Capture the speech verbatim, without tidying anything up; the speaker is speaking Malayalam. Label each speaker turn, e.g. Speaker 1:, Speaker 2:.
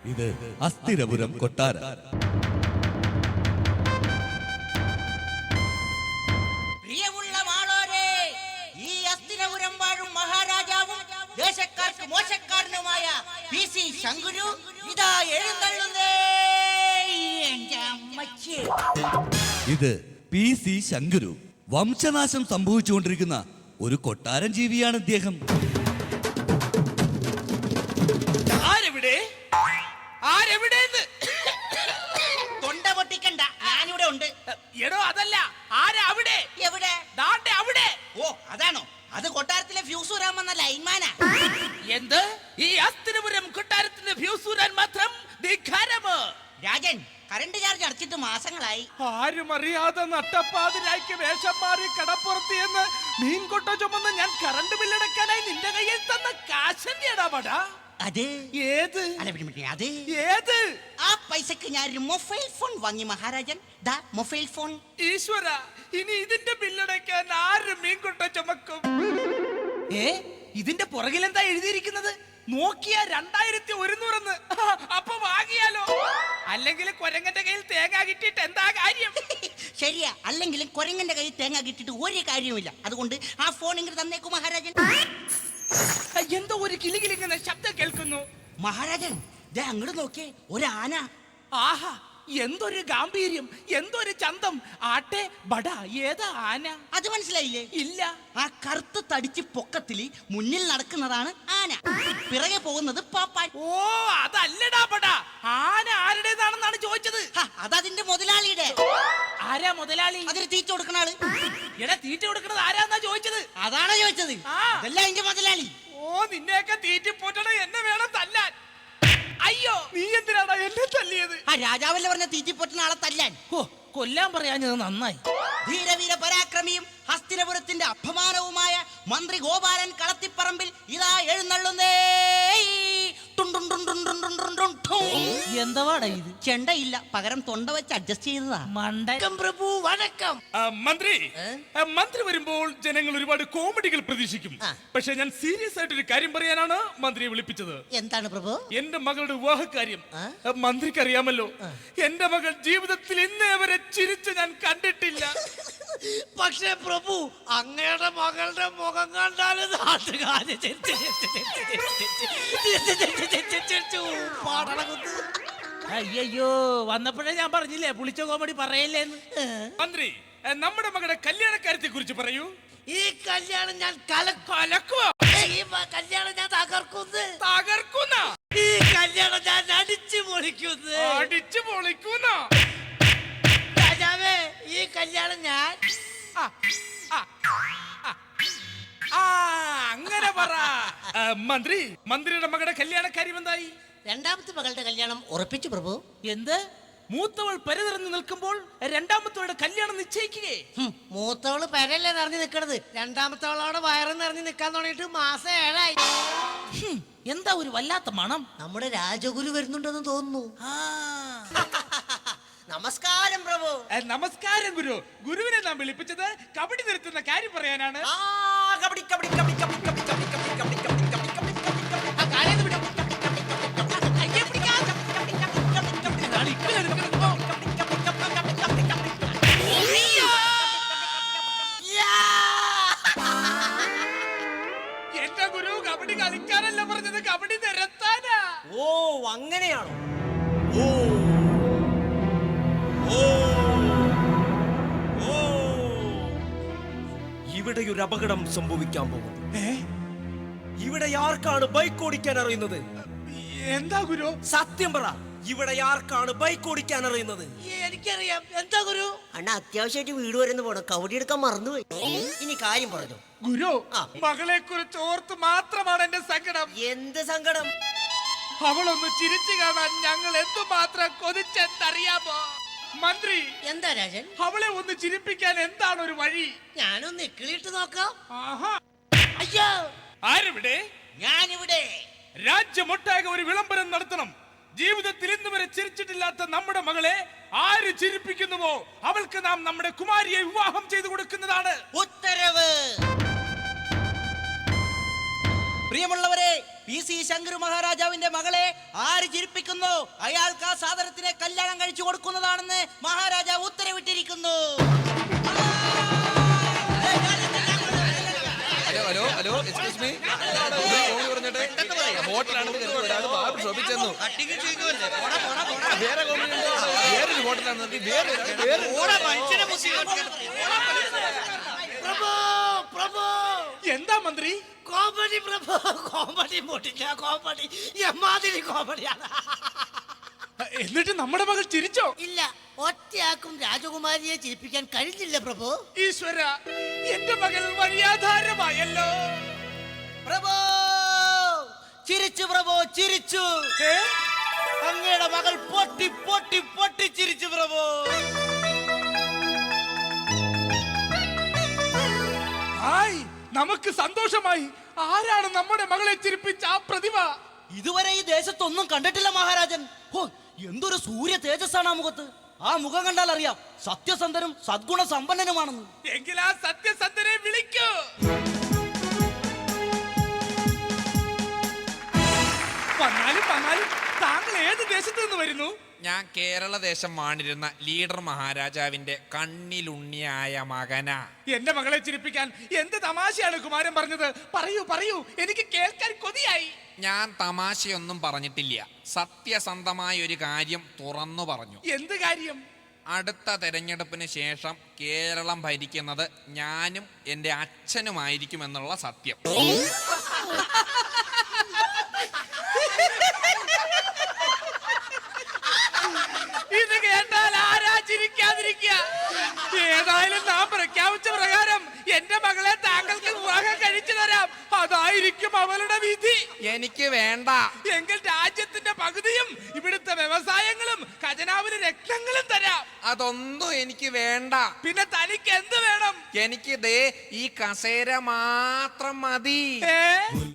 Speaker 1: ഇത് അസ്ഥിരപുരം കൊട്ടാരം.
Speaker 2: പ്രിയമുള്ള മാളോരെ, ഈ അസ്ഥിരപുരം വാഴും മഹാരാജാവും ദേശക്കാർക്ക് മോശക്കാരനുമായ പി സി ശങ്കുരു ഇതാ എഴുന്നള്ളുന്നേ. എന്റെ അമ്മച്ചി,
Speaker 1: ഇത് പി സി ശങ്കുരു. വംശനാശം സംഭവിച്ചുകൊണ്ടിരിക്കുന്ന ഒരു കൊട്ടാരം ജീവിയാണ് ഇദ്ദേഹം.
Speaker 3: ആരെവിടെ ആരെവിടെ
Speaker 2: തൊണ്ട പൊട്ടിക്കണ്ട, ഞാനിവിടെ ഉണ്ട്.
Speaker 3: എടോ അതല്ല, ആരാ അവിടെ?
Speaker 2: എവിടെ?
Speaker 3: ദാണ്ടെ അവിടെ.
Speaker 2: ഓ അതാണോ? അത് കൊട്ടാരത്തിലെ ഫ്യൂസൂരാൻ വന്ന ലൈൻമാനാ.
Speaker 3: എന്ത്? ഈ അസ്ഥിരപുരം കൊട്ടാരത്തിന്റെ ഫ്യൂസൂരാൻ മാത്രം ധിക്കാരമോ?
Speaker 2: രാജൻ, കറണ്ട് ചാർജ് അടച്ചിട്ട് മാസങ്ങളായി.
Speaker 3: ആരും അറിയാതെ നട്ടപ്പാതിരായ്ക്ക് വേഷം മാറി കടപ്പുറത്ത് എന്ന് മീൻകൊട്ട ചുമന്ന് ഞാൻ കറണ്ട് ബില്ലടക്കാനായി നിന്റെ കയ്യിൽ തന്ന കാശന്റെ ഇടാപടാ.
Speaker 2: അത്
Speaker 3: ഏത്?
Speaker 2: അല്ല പിന്നെ പിന്നെ അത്
Speaker 3: ഏത്?
Speaker 2: ആ പൈസക്ക് ഞാൻ ഒരു മൊബൈൽ ഫോൺ വാങ്ങി മഹാരാജൻ. ദാ മൊബൈൽ ഫോൺ.
Speaker 3: ഈശ്വര, ഇനി ഇതിന്റെ ബില്ലടക്കാൻ ആര് മീൻകൊട്ട ചുമക്കും? ഏ, ഇതിന്റെ പുറകിൽ എന്താ എഴുതിയിരിക്കുന്നത്? നോക്കിയ രണ്ടായിരത്തി ഒരുന്നൂറെന്ന്. അപ്പൊ വാങ്ങിയാലോ? അല്ലെങ്കിൽ കൊരങ്ങന്റെ കയ്യിൽ തേങ്ങ കിട്ടിയിട്ട് എന്താ കാര്യം?
Speaker 2: ശരിയാ, അല്ലെങ്കിലും കൊരങ്ങന്റെ കയ്യിൽ തേങ്ങ കിട്ടിയിട്ട് ഒരു കാര്യവുമില്ല. അതുകൊണ്ട് ആ ഫോൺ ഇങ്ങോട്ട് തന്നേക്കു മഹാരാജൻ.
Speaker 3: എന്തോ ഒരു കിളികിലിങ്ങനെ ശബ്ദം കേൾക്കുന്നു.
Speaker 2: മഹാരാജൻ, ദേ അങ്ങോട്ട് നോക്കിയേ, ഒരു ആന.
Speaker 3: ആഹാ, എന്തൊരു ഗാംഭീര്യം, എന്തൊരു ചന്തം. ആട്ടെ ബട, ഏതാ ആന?
Speaker 2: അത് മനസ്സിലായില്ലേ?
Speaker 3: ഇല്ല.
Speaker 2: ആ കറുത്ത് തടിച്ച് പൊക്കത്തില് മുന്നിൽ നടക്കുന്നതാണ് ആന, പിറകെ പോകുന്നത് പാപ്പാൻ.
Speaker 3: ഓ, അതല്ലടാ ബട, ആന ആരുടേതാണെന്നാണ് ചോദിച്ചത്.
Speaker 2: അതതിന്റെ മുതലാളിയുടെ.
Speaker 3: ആരാ മുതലാളി?
Speaker 2: അതിന് തീറ്റ കൊടുക്കണ ആള്.
Speaker 3: എടാ, തീറ്റ കൊടുക്കണത് ആരാന്നാ ചോദിച്ചത്.
Speaker 2: അതാണോ ചോദിച്ചത്?
Speaker 3: ആ.
Speaker 2: അതല്ല അതിന്റെ മുതലാളി.
Speaker 3: ഓ, നിന്നെയൊക്കെ തീറ്റി പോറ്റണ എന്നെ വേണം തല്ലാൻ. അയ്യോ, നീ എന്തിനാടാ എന്നെ തല്ലിയത്?
Speaker 2: ആ രാജാവല്ലേ പറഞ്ഞ തീറ്റി പൊട്ടുന്ന ആളെ തല്ലാൻ.
Speaker 3: ഓ, കൊല്ലാൻ പറയാഞ്ഞത് നന്നായി.
Speaker 2: ധീരവീര പരാക്രമിയും ഹസ്തിനപുരത്തിന്റെ അപമാനവുമായ മന്ത്രി ഗോപാലൻ കളത്തിപ്പറമ്പിൽ ഇതാ എഴുന്നള്ളുന്നേ.
Speaker 3: എന്താവാടാ ഇത്?
Speaker 2: ചെണ്ടയില്ല, പകരം തൊണ്ട വെച്ച് അഡ്ജസ്റ്റ് ചെയ്തതാ.
Speaker 3: മണ്ടൻ
Speaker 2: പ്രഭു വണക്കം.
Speaker 4: മന്ത്രി മന്ത്രി വരുമ്പോൾ ജനങ്ങൾ ഒരുപാട് കോമഡികൾ പ്രതീക്ഷിക്കും. പക്ഷെ ഞാൻ സീരിയസ് ആയിട്ട് ഒരു കാര്യം പറയാനാണ് മന്ത്രിയെ വിളിപ്പിച്ചത്.
Speaker 2: എന്താണ് പ്രഭു?
Speaker 4: എന്റെ മകളുടെ വിവാഹകാര്യം മന്ത്രിക്ക് അറിയാമല്ലോ. എന്റെ മകൾ ജീവിതത്തിൽ ഇന്നേ വരെ ചിരിച്ച് ഞാൻ കണ്ടിട്ടില്ല.
Speaker 2: പക്ഷേ പ്രഭു, അങ്ങയുടെ മകളുടെ മുഖം കണ്ടാൽ
Speaker 3: അയ്യോ, വന്നപ്പോഴേ ഞാൻ പറഞ്ഞില്ലേ പുളിച്ച കോമഡി പറയല്ലേന്ന്.
Speaker 4: മന്ത്രി, നമ്മുടെ മകളുടെ കല്യാണക്കാര്യത്തെ കുറിച്ച് പറയൂ.
Speaker 2: ഈ കല്യാണം ഞാൻ കലക്കുവോ? ഈ കല്യാണം ഞാൻ തകർക്കുന്നു.
Speaker 4: തകർക്കുന്ന
Speaker 2: ഈ കല്യാണം ഞാൻ അടിച്ചു പൊളിക്കുന്നു.
Speaker 4: അടിച്ചു പൊളിക്കുന്ന
Speaker 2: രാജാവേ, ഈ കല്യാണം ഞാൻ
Speaker 4: അങ്ങനെ പറ. മന്ത്രി, മന്ത്രിയുടെ മകളുടെ കല്യാണക്കാര്യം എന്തായി?
Speaker 2: രണ്ടാമത്തെ മകളുടെ കല്യാണം ഉറപ്പിച്ചു പ്രഭു.
Speaker 3: എന്ത്? മൂത്തവൾ പരതിറങ്ങി നിൽക്കുമ്പോൾ രണ്ടാമത്തവളുടെ കല്യാണം നിശ്ചയിക്കുകയെ?
Speaker 2: മൂത്തവള് പരല്ലേ നിറഞ്ഞു നിക്കണത്, രണ്ടാമത്തവളോടെ വയറ് നിറഞ്ഞു നിക്കാൻ തുടങ്ങിയിട്ട് മാസം ഏഴായി.
Speaker 3: എന്താ ഒരു വല്ലാത്ത മണം.
Speaker 2: നമ്മുടെ രാജഗുരു വരുന്നുണ്ടെന്ന് തോന്നുന്നു. നമസ്കാരം പ്രഭു.
Speaker 4: നമസ്കാരം ഗുരു. ഗുരുവിനെ നാം വിളിപ്പിച്ചത് കബഡി നിർത്തുന്ന കാര്യം പറയാനാണ്. എന്റെ ഗുരു കബഡി കളിക്കാനല്ല പറഞ്ഞത്, കബഡി നിരത്താനാ.
Speaker 2: ഓ, അങ്ങനെയാണോ? ഓ
Speaker 5: ഇവിടെ ഒരു അപകടം സംഭവിക്കാൻ പോകുന്നു. ഇവിടെ ആർക്കാണ് ബൈക്ക് ഓടിക്കാൻ അറിയുന്നത്?
Speaker 4: എന്താ ഗുരു?
Speaker 5: സത്യം പറ, ഇവിടെ ആർക്കാണ് ബൈക്ക് ഓടിക്കാൻ അറിയുന്നത്?
Speaker 2: എനിക്കറിയാം. എന്താ ഗുരു? അണ്ണ അത്യാവശ്യമായിട്ട് വീട് വരുന്ന പോണം, കവടി എടുക്കാൻ മറന്നുപോയി. ഇനി കാര്യം പറഞ്ഞു
Speaker 4: ഗുരു. മകളെ കുറിച്ച് ഓർത്ത് മാത്രമാണ് എന്റെ സങ്കടം.
Speaker 2: എന്ത് സങ്കടം?
Speaker 4: അവളൊന്ന് ചിരിച്ചു കാണാൻ ഞങ്ങൾ എന്തുമാത്രം കൊതിച്ചെന്നറിയാമോ മന്ത്രി?
Speaker 2: എന്താ രാജൻ?
Speaker 4: അവളെ ഒന്ന് ചിരിപ്പിക്കാൻ എന്താണ് ഒരു വഴി?
Speaker 2: ഞാനൊന്ന് ഇക്കിളിട്ട് നോക്കാം.
Speaker 4: ആഹാ.
Speaker 2: അയ്യോ,
Speaker 4: ആരെവിടെ?
Speaker 2: ഞാനിവിടെ.
Speaker 4: രാജ്യമൊട്ടാകെ ഒരു വിളംബരം നടത്തണം. ജീവിതത്തിൽ ഇന്ന് വരെ ചിരിച്ചിട്ടില്ലാത്ത നമ്മുടെ മകളെ ആര് ചിരിപ്പിക്കുന്നുവോ അവൾക്ക് നാം നമ്മുടെ കുമാരിയെ വിവാഹം ചെയ്തു കൊടുക്കുന്നതാണ്.
Speaker 2: ഉത്തരവ്. പ്രിയമുള്ളവരെ,
Speaker 3: പി സി ശങ്കരു മഹാരാജാവിന്റെ മകളെ ആര് ചിരിപ്പിക്കുന്നു അയാൾക്ക് ആ സാധനത്തിനെ കല്യാണം കഴിച്ചു കൊടുക്കുന്നതാണെന്ന് മഹാരാജാവ് ഉത്തരവിട്ടിരിക്കുന്നു.
Speaker 6: Hello hello hello excuse me പറഞ്ഞിട്ട് ഹോട്ടലാണ് ബാബു ഷോപ്പിൽ ചെന്നു വേറെ വേറൊരു ഹോട്ടലാണ് വേറെ
Speaker 2: പ്രഭു പ്രഭു
Speaker 4: എന്താ മന്ത്രി?
Speaker 2: കോമഡി പ്രഭു, കോമഡി പൊട്ടില്ല, കോമഡി എമ്മാതിരി കോമഡിയാണ്.
Speaker 4: എന്നിട്ട് നമ്മുടെ മകൾ ചിരിച്ചോ?
Speaker 2: ഇല്ല, ഒറ്റയാക്കും രാജകുമാരിയെ ചിരിപ്പിക്കാൻ കഴിഞ്ഞില്ല പ്രഭു.
Speaker 4: ഈശ്വര, എന്റെ മകൾ വഴിയാധാരമായല്ലോ.
Speaker 3: പ്രഭു ചിരിച്ചു, പ്രഭു ചിരിച്ചു.
Speaker 4: ഏ?
Speaker 3: അങ്ങയുടെ മകൾ പൊട്ടി പൊട്ടി പൊട്ടി ചിരിച്ചു പ്രഭു.
Speaker 4: ഹായ്, നമുക്ക് സന്തോഷമായി. ആരാണ് നമ്മുടെ മകളെ ചിരിപ്പിച്ച ആ പ്രതിഭ?
Speaker 3: ഇതുവരെ ഈ ദേശത്തൊന്നും കണ്ടിട്ടില്ല മഹാരാജൻ. ഹോ, എന്തൊരു സൂര്യ തേജസ്സാണ് ആ മുഖത്ത്. ആ മുഖം കണ്ടാൽ അറിയാം സത്യസന്ധനും സദ്ഗുണ സമ്പന്നനുമാണെന്ന്.
Speaker 4: എങ്കിൽ ആ സത്യസന്ധനെ വിളിക്കൂ. വന്നാലും വന്നാലും താങ്കൾ ഏത് ദേശത്ത് നിന്ന് വരുന്നു?
Speaker 6: ഞാൻ കേരള ദേശം വാണിരുന്ന ലീഡർ മഹാരാജാവിന്റെ കണ്ണിലുണ്ണിയായ മകനാ.
Speaker 4: എന്റെ മകളെ ചിരിപ്പിക്കാൻ എന്ത് തമാശയാണ് കുമാരൻ പറഞ്ഞത്? പറയൂ പറയൂ, എനിക്ക് കേൾക്കാൻ കൊതിയായി.
Speaker 6: ഞാൻ തമാശയൊന്നും പറഞ്ഞിട്ടില്ല, സത്യസന്ധമായ ഒരു കാര്യം തുറന്നു പറഞ്ഞു.
Speaker 4: എന്ത് കാര്യം?
Speaker 6: അടുത്ത തെരഞ്ഞെടുപ്പിന് ശേഷം കേരളം ഭരിക്കുന്നത് ഞാനും എൻ്റെ അച്ഛനുമായിരിക്കുമെന്നുള്ള സത്യം.
Speaker 4: ഇത് കേട്ടാൽ ആരാ ചിരിക്കാതിരിക്കുക? ഏതായാലും നാം പ്രഖ്യാപിച്ച പ്രകാരം എന്റെ മകളെ താങ്കൾക്ക് വിവാഹം കഴിച്ചു തരാം. അതായിരിക്കും അവളുടെ വിധി.
Speaker 6: എനിക്ക് വേണ്ട.
Speaker 4: എങ്കിൽ രാജ്യത്തിന്റെ പകുതിയും ഇവിടുത്തെ വ്യവസായങ്ങളും ഖജനാവിന് രക്തങ്ങളും തരാം.
Speaker 6: അതൊന്നും എനിക്ക് വേണ്ട.
Speaker 4: പിന്നെ തനിക്ക് എന്ത് വേണം?
Speaker 6: എനിക്ക് ദേ ഈ കസേര മാത്രം മതി.
Speaker 4: ഏ